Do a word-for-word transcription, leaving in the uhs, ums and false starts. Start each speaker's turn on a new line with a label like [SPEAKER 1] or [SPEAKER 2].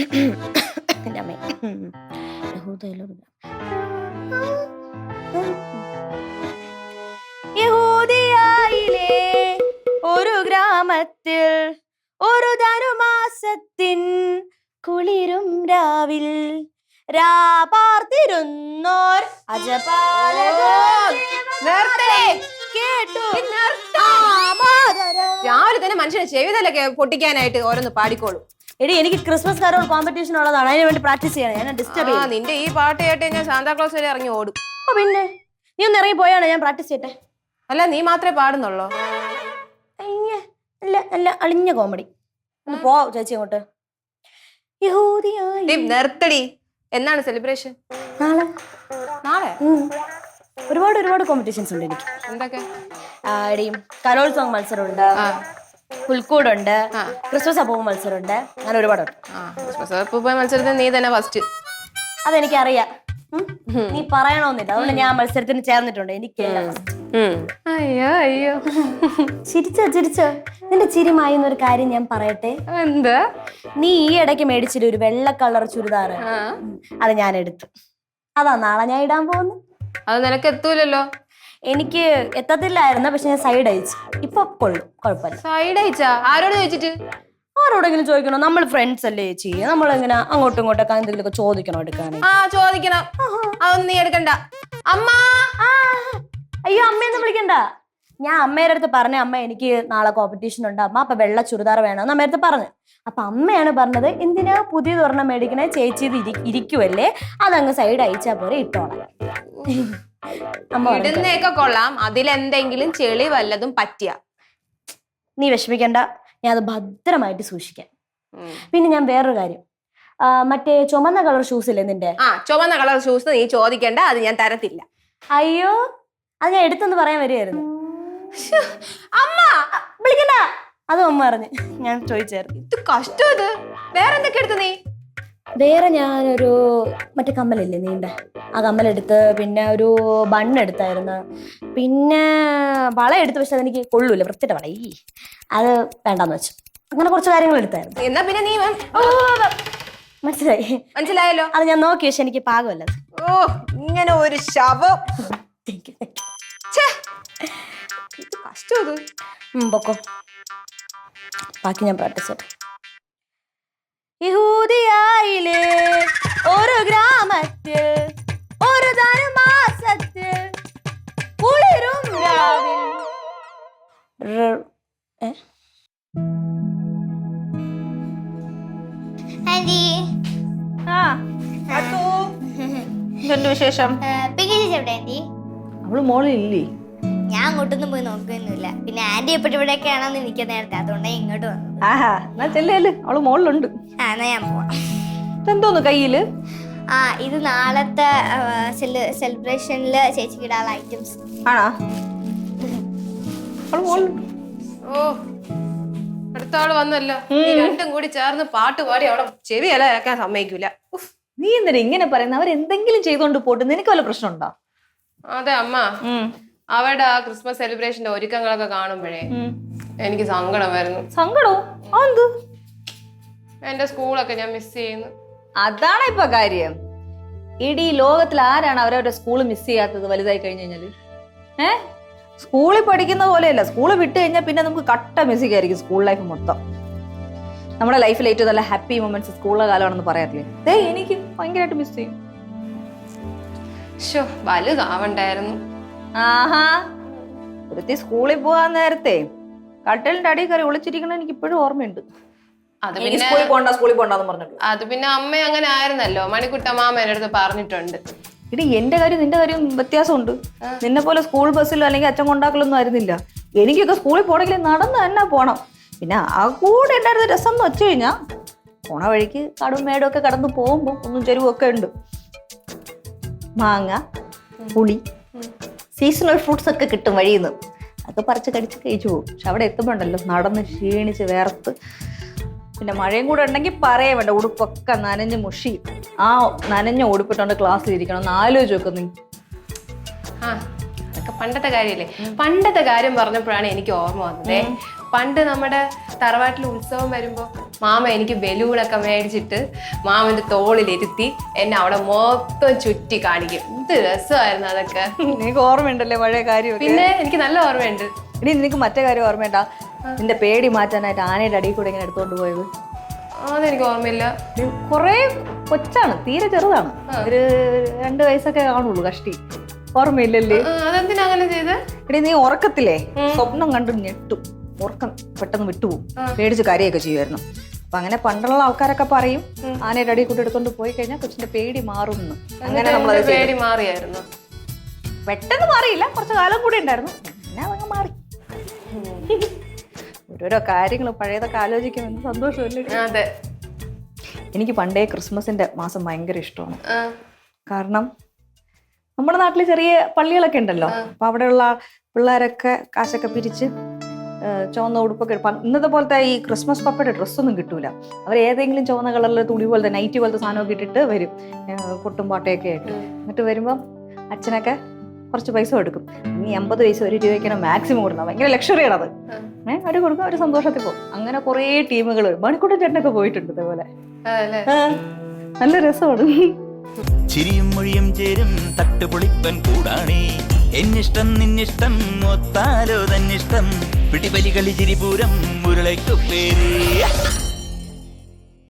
[SPEAKER 1] എന്റെ അമ്മ യഹൂദിയായിലെ ഒരു ഗ്രാമത്തിൽ ഒരു ധനുമാസത്തിൻ കുളിരും രാവിൽ രാപാർത്തിരുന്നോർ അജപാലകർ കേട്ടു.
[SPEAKER 2] രാവിലെ തന്നെ മനുഷ്യനെ ചെവിതലൊക്കെ പൊട്ടിക്കാനായിട്ട് ഓരോന്ന് പാടിക്കോളൂ.
[SPEAKER 1] എടി എനിക്ക് ക്രിസ്മസ് കാരോൾ കോമ്പറ്റീഷൻ ഉള്ളതാണ്, അതിന് വേണ്ടി പ്രാക്ടീസ് ചെയ്യണം. ഞാൻ ഡിസ്റ്റർബ് ചെയ്യാം.
[SPEAKER 2] നിന്റെ ഈ പാട്ട് കേട്ട് ഞാൻ സാന്താക്ലോസ് വരെ ഇറങ്ങി ഓടും.
[SPEAKER 1] ഓ പിന്നെ നീ ഒന്ന് ഇറങ്ങി പോയാണ് ഞാൻ പ്രാക്ടീസ് ചെയ്യട്ടെ.
[SPEAKER 2] അല്ല നീ മാത്രമേ പാടുന്നുള്ളോ?
[SPEAKER 1] അല്ല അല്ല അളിഞ്ഞ കോമഡി. ഒന്ന് പോ ചേച്ചി അങ്ങോട്ട്.
[SPEAKER 2] നിർത്തടി. എന്നാണ് സെലിബ്രേഷൻ?
[SPEAKER 1] നാളെ.
[SPEAKER 2] നാളെ
[SPEAKER 1] ഒരുപാട് ഒരുപാട് കോമ്പറ്റീഷൻസ് ഉണ്ട് എനിക്ക്.
[SPEAKER 2] എന്തൊക്കെ?
[SPEAKER 1] കരോൾ സോങ് മത്സരമുണ്ട്, പുൽക്കൂടുണ്ട്, ക്രിസ്മസ് അപ്പൂപ്പ മത്സരമുണ്ട്, അങ്ങനെ ഒരുപാടുണ്ട്.
[SPEAKER 2] ക്രിസ്മസ് അപ്പൂപ്പ മത്സരത്തിൽ നീ തന്നെ ഫസ്റ്റ്.
[SPEAKER 1] അതെനിക്കറിയാം, നീ പറയണമെന്നില്ല. അതുകൊണ്ട് ഞാൻ മത്സരത്തിന് ചേർന്നിട്ടുണ്ട്. എനിക്ക്
[SPEAKER 2] അയ്യോ അയ്യോ
[SPEAKER 1] ചിരിച്ചോ ചിരിച്ചോ. നിന്റെ ചിരി മായുന്നൊരു കാര്യം ഞാൻ പറയട്ടെ.
[SPEAKER 2] എന്താ?
[SPEAKER 1] നീ ഈ ഇടയ്ക്ക് മേടിച്ചിട്ട് ഒരു വെള്ള കളർ ചുരിദാറ്, അത് ഞാൻ എടുത്തു. അതാ നാളെ ഞാൻ ഇടാൻ പോകുന്നു.
[SPEAKER 2] അത് നിനക്ക് എത്തൂലല്ലോ.
[SPEAKER 1] എനിക്ക് എത്തത്തില്ലായിരുന്നു, പക്ഷെ ഞാൻ സൈഡ് അയച്ചു. ഇപ്പൊ കൊള്ളും, കുഴപ്പമില്ല.
[SPEAKER 2] സൈഡ് അയച്ചാ? ആരോട് ചോദിച്ചിട്ട്?
[SPEAKER 1] ആരോടെങ്കിലും ചോദിക്കണോ? നമ്മൾ ഫ്രണ്ട്സ് അല്ലേ ചേച്ചി, നമ്മളെങ്ങനെ അങ്ങോട്ടും ഇങ്ങോട്ടൊക്കെ എന്തെങ്കിലുമൊക്കെ ചോദിക്കണോ എടുക്കാൻ?
[SPEAKER 2] ആ ചോദിക്കണം. അതൊന്നും നീ എടുക്കണ്ട. അമ്മ.
[SPEAKER 1] അയ്യോ അമ്മയൊന്നും വിളിക്കണ്ട. ഞാൻ അമ്മയുടെ അടുത്ത് പറഞ്ഞ, അമ്മ എനിക്ക് നാളെ കോമ്പറ്റീഷൻ ഉണ്ട് അമ്മ, അപ്പൊ വെള്ള ചുരിദാർ വേണമെന്ന് അമ്മയുടെ അടുത്ത് പറഞ്ഞു. അപ്പൊ അമ്മയാണ് പറഞ്ഞത്, എന്തിനാ പുതിയ തുറന്ന മേടിക്കണേ ചേച്ചി, ഇത് ഇരിക്കുവല്ലേ, അതങ്ങ് സൈഡ് അയച്ചാ പോലെ ഇട്ടോളാം.
[SPEAKER 2] ഇടുന്നേക്കെ കൊള്ളാം, അതിലെന്തെങ്കിലും ചെളി വല്ലതും പറ്റിയ
[SPEAKER 1] നീ വിഷമിക്കണ്ട, ഞാൻ അത് ഭദ്രമായിട്ട് സൂക്ഷിക്കാം. പിന്നെ ഞാൻ വേറൊരു കാര്യം, മറ്റേ ചുമന്ന കളർ ഷൂസ് ഇല്ലേ നിന്റെ?
[SPEAKER 2] ആ ചുമന്ന കളർ ഷൂസ് നീ ചോദിക്കണ്ട, അത് ഞാൻ തരത്തില്ല.
[SPEAKER 1] അയ്യോ അത് ഞാൻ എടുത്തെന്ന് പറയാൻ വരികയായിരുന്നു.
[SPEAKER 2] അമ്മ
[SPEAKER 1] വിളിക്കണ്ട, അതും അമ്മ അറിഞ്ഞ് ഞാൻ ചോദിച്ചായിരുന്നു.
[SPEAKER 2] ഇത് കഷ്ടം. ഇത് വേറെ എന്തൊക്കെ എടുത്തു നീ?
[SPEAKER 1] വേറെ ഞാനൊരു മറ്റേ കമ്മലില്ലേ നീണ്ട, ആ കമ്മലെടുത്ത്, പിന്നെ ഒരു ബണ്ണ് എടുത്തായിരുന്നു, പിന്നെ വള എടുത്ത്. പക്ഷെ അതെനിക്ക് കൊള്ളൂല, വൃത്തിയുടെ വള, ഈ അത് വേണ്ടാന്ന് വെച്ചു. അങ്ങനെ കുറച്ച് കാര്യങ്ങൾ എടുത്തായിരുന്നു.
[SPEAKER 2] എന്നാ പിന്നെ നീ
[SPEAKER 1] മനസ്സിലായി
[SPEAKER 2] മനസ്സിലായല്ലോ.
[SPEAKER 1] അത് ഞാൻ നോക്കി, പക്ഷെ എനിക്ക് പാകമല്ല.
[SPEAKER 2] ഓ ഇങ്ങനെ ഒരു ശവം. കഷ്ടം. ഇത്
[SPEAKER 1] പൊക്കോ, ബാക്കി ഞാൻ പ്രാക്ടീസ് ചെയ്തു. യഹൂദിയായിലെ ഒരു ഗ്രാമത്തിൽ ഒരു ധനുമാസത്തിൽ കുളിരും രാവിൽ.
[SPEAKER 2] വിശേഷം?
[SPEAKER 3] അവള് മോളില്ലേ?
[SPEAKER 4] ഞാൻ അങ്ങോട്ടൊന്നും പോയി നോക്കുകയൊന്നുമില്ല. പിന്നെ ആന്റി എപ്പോഴും ഇവിടെയൊക്കെ ആണെന്ന് എനിക്ക് നേരത്തെ, അതുകൊണ്ടാണ് ഇങ്ങോട്ട് വന്നത്.
[SPEAKER 3] ആഹാ എന്നാ ചെല്ലേല്, അവള് മോളിലുണ്ട്.
[SPEAKER 4] ആ എന്നാ ഞാൻ പോവാം.
[SPEAKER 3] എന്തോന്ന് കയ്യില്?
[SPEAKER 4] ആ ഇത് നാളത്തെ സെലിബ്രേഷനില് ചേച്ചിക്ക് ഇടാനുള്ള ഐറ്റംസ്
[SPEAKER 3] ആണോ? അവള് മോളിലുണ്ട്.
[SPEAKER 2] ഓ അടുത്ത ആള് വന്നല്ലോ. രണ്ടും കൂടി ചേർന്ന് പാട്ട് പാടി അവിടെ ചെവി ഇലക്കാൻ സമ്മതിക്കൂല.
[SPEAKER 3] നീ എന്തിനാ ഇങ്ങനെ പറയുന്നത്? അവരെന്തെങ്കിലും ചെയ്തോണ്ട് പോട്ട്, നിനക്ക് വല്ല പ്രശ്നമുണ്ടോ?
[SPEAKER 2] അതെ അമ്മ, അവരുടെ ആ ക്രിസ്മസ് സെലിബ്രേഷന്റെ ഒരുക്കങ്ങളൊക്കെ കാണുമ്പോഴേ എനിക്ക് സങ്കടം വരുന്നു.
[SPEAKER 3] സങ്കടോ? എന്ത്?
[SPEAKER 2] എന്റെ സ്കൂളൊക്കെ ഞാൻ മിസ് ചെയ്യുന്നു.
[SPEAKER 3] അതാണ് ഇപ്പൊ കാര്യം. ഇടീ ലോകത്തിൽ ആരാണ് അവരവരുടെ സ്കൂള് മിസ് ചെയ്യാത്തത് വലുതായി കഴിഞ്ഞു കഴിഞ്ഞാല്? ഏഹ് സ്കൂളിൽ പഠിക്കുന്ന പോലെയല്ല, സ്കൂള് വിട്ട് കഴിഞ്ഞാൽ പിന്നെ നമുക്ക് കട്ട മിസ്സിംഗ് ആയിരിക്കും സ്കൂൾ ലൈഫ് മൊത്തം. നമ്മുടെ ലൈഫിൽ ഏറ്റവും നല്ല ഹാപ്പി മൊമെന്റ്സ് സ്കൂളിലെ കാലമാണെന്ന് പറയാറില്ലേ? ദേ എനിക്ക് ഭയങ്കരമായിട്ട് മിസ് ചെയ്യും.
[SPEAKER 2] ഷോ വലുതാവണ്ടായിരുന്നു.
[SPEAKER 3] ആഹാ ഒരുത്തി സ്കൂളിൽ പോകാൻ നേരത്തെ കട്ടലിന്റെ അടി കയറി ഒളിച്ചിരിക്കണ എനിക്ക് ഇപ്പോഴും ഓർമ്മയുണ്ട്.
[SPEAKER 2] അത് പിന്നെ
[SPEAKER 3] സ്കൂളിൽ പോകണ്ട സ്കൂളിൽ പോകണ്ടെന്ന് പറഞ്ഞിട്ട്.
[SPEAKER 2] അത് പിന്നെ അമ്മ അങ്ങനെ ആയിരുന്നല്ലോ, മണിക്കുട്ടമാമ എന്റെ അടുത്ത് പറഞ്ഞിട്ടുണ്ട്.
[SPEAKER 3] ഇടി എന്റെ കാര്യം നിന്റെ കാര്യം വ്യത്യാസമുണ്ട്. നിന്നെ പോലെ സ്കൂൾ ബസ്സിലോ അല്ലെങ്കിൽ അച്ഛൻ കൊണ്ടാക്കലൊന്നും ആയിരുന്നില്ല. എനിക്കൊക്കെ സ്കൂളിൽ പോകണമെങ്കിൽ നടന്ന് തന്നെ പോണം. പിന്നെ ആ കൂടെ ഉണ്ടായിരുന്ന രസം എന്ന് വെച്ച് കഴിഞ്ഞാൽ പോണ വഴിക്ക് കടും മേടും ഒക്കെ കടന്നു പോകുമ്പോൾ ഒന്നും ചെരുവൊക്കെ ഉണ്ട്. മാങ്ങ, പുളി, സീസണൽ ഫ്രൂട്ട്സ് ഒക്കെ കിട്ടും വഴിയിൽ നിന്ന്. അതൊക്കെ പറിച്ച് കടിച്ച് കഴിച്ചു പോകും. പക്ഷെ അവിടെ എത്തുമ്പോണ്ടല്ലോ നടന്ന് ക്ഷീണിച്ച് വേർത്ത്, പിന്നെ മഴയും കൂടെ ഉണ്ടെങ്കിൽ പറയാൻ വേണ്ട, ഉടുപ്പൊക്കെ നനഞ്ഞ് മുഷി. ആ നനഞ്ഞ ഉടുപ്പിട്ടോണ്ട് ക്ലാസ്സിൽ ഇരിക്കണം എന്ന് ആലോചിച്ച് വെക്കുന്നു.
[SPEAKER 2] ആ അതൊക്കെ പണ്ടത്തെ കാര്യല്ലേ. പണ്ടത്തെ കാര്യം പറഞ്ഞപ്പോഴാണ് എനിക്ക് ഓർമ്മ വന്നത്. പണ്ട് നമ്മുടെ തറവാട്ടിൽ ഉത്സവം വരുമ്പോ മാമ എനിക്ക് ബലൂണൊക്കെ മേടിച്ചിട്ട് മാമന്റെ തോളിലിരുത്തി എന്നെ അവിടെ മൊത്തം ചുറ്റി കാണിക്കും. എന്ത് രസമായിരുന്നു അതൊക്കെ.
[SPEAKER 3] നിനക്ക് ഓർമ്മയുണ്ടല്ലേ പഴയ കാര്യം?
[SPEAKER 2] പിന്നെ എനിക്ക് നല്ല ഓർമ്മയുണ്ട്.
[SPEAKER 3] ഇനി നിനക്ക് മറ്റേ കാര്യം ഓർമ്മയുണ്ടാ? നിന്റെ പേടി മാറ്റാനായിട്ട് ആനയുടെ അടിയിൽ കൂടെ ഇങ്ങനെ എടുത്തോണ്ട് പോയത്?
[SPEAKER 2] അതെനിക്ക് ഓർമ്മയില്ല.
[SPEAKER 3] കൊറേ കൊച്ചാണ്, തീരെ ചെറുതാണ്, ഒരു രണ്ടു വയസ്സൊക്കെ കാണുള്ളൂ കഷ്ടി. ഓർമ്മയില്ലല്ലേ?
[SPEAKER 2] അതെന്തിനാ അങ്ങനെ ചെയ്ത്?
[SPEAKER 3] എടി നീ ഉറക്കത്തില്ലേ സ്വപ്നം കണ്ടു ഞെട്ടും, ഉറക്കം പെട്ടെന്ന് വിട്ടുപോകും, പേടിച്ച് കരയൊക്കെ ചെയ്യുമായിരുന്നു. അപ്പൊ അങ്ങനെ പണ്ടുള്ള ആൾക്കാരൊക്കെ പറയും ആനയുടെ അടിയിൽ കൂടെ എടുത്തോണ്ട് പോയി കഴിഞ്ഞാൽ കൊച്ചിന്റെ പേടി മാറും എന്ന്. അങ്ങനെ നമ്മളത്
[SPEAKER 2] പേടി മാറിയായിരുന്നു.
[SPEAKER 3] പെട്ടെന്ന് മാറിയില്ല, കുറച്ച് കാലം കൂടി ഉണ്ടായിരുന്നു, പിന്നെ അതങ്ങ് മാറി. ഓരോരോ കാര്യങ്ങൾ പഴയതൊക്കെ ആലോചിക്കുമ്പോൾ എന്ത് സന്തോഷമല്ലേ.
[SPEAKER 2] അതെ,
[SPEAKER 3] എനിക്ക് പണ്ടേ ക്രിസ്മസിന്റെ മാസം ഭയങ്കര ഇഷ്ടമാണ്. കാരണം നമ്മുടെ നാട്ടിൽ ചെറിയ പള്ളികളൊക്കെ ഉണ്ടല്ലോ, അപ്പൊ അവിടെയുള്ള പിള്ളേരൊക്കെ കാശൊക്കെ പിരിച്ച് ചുവന്ന ഉടുപ്പൊക്കെ എടുപ്പം. ഇന്നത്തെ പോലത്തെ ഈ ക്രിസ്മസ് പപ്പയുടെ ഡ്രസ്സൊന്നും കിട്ടൂല. അവർ ഏതെങ്കിലും ചുവന്ന കളറിലെ തുണി പോലത്തെ നൈറ്റ് പോലത്തെ സാധനമൊക്കെ ഇട്ടിട്ട് വരും, കൊട്ടും പാട്ടയൊക്കെ ആയിട്ട്. എന്നിട്ട് വരുമ്പം അച്ഛനൊക്കെ കുറച്ച് പൈസ കൊടുക്കും. നീ അമ്പത് പൈസ ഒരു രൂപയ്ക്കാണ് മാക്സിമം കൊടുക്കണം, ഭയങ്കര ലക്ഷറിയാണ് അത്. ഏഹ് അവർ കൊടുക്കും, ഒരു സന്തോഷത്തിൽ പോകും. അങ്ങനെ കുറേ ടീമുകൾ, മണിക്കൂട്ടൻ ചേട്ടനൊക്കെ പോയിട്ടുണ്ട് ഇതേപോലെ. നല്ല രസമാണ്.
[SPEAKER 5] ചിരിയും മൊഴിയും ചേരും തട്ടുപൊളിപ്പൻ കൂടാണേ. എന്നിഷ്ടം നിന്നിഷ്ടം ഒത്താലോ തന്നിഷ്ടം പിടിപലി കളി ചിരിപൂരം മുരളയ്ക്കു പേര്.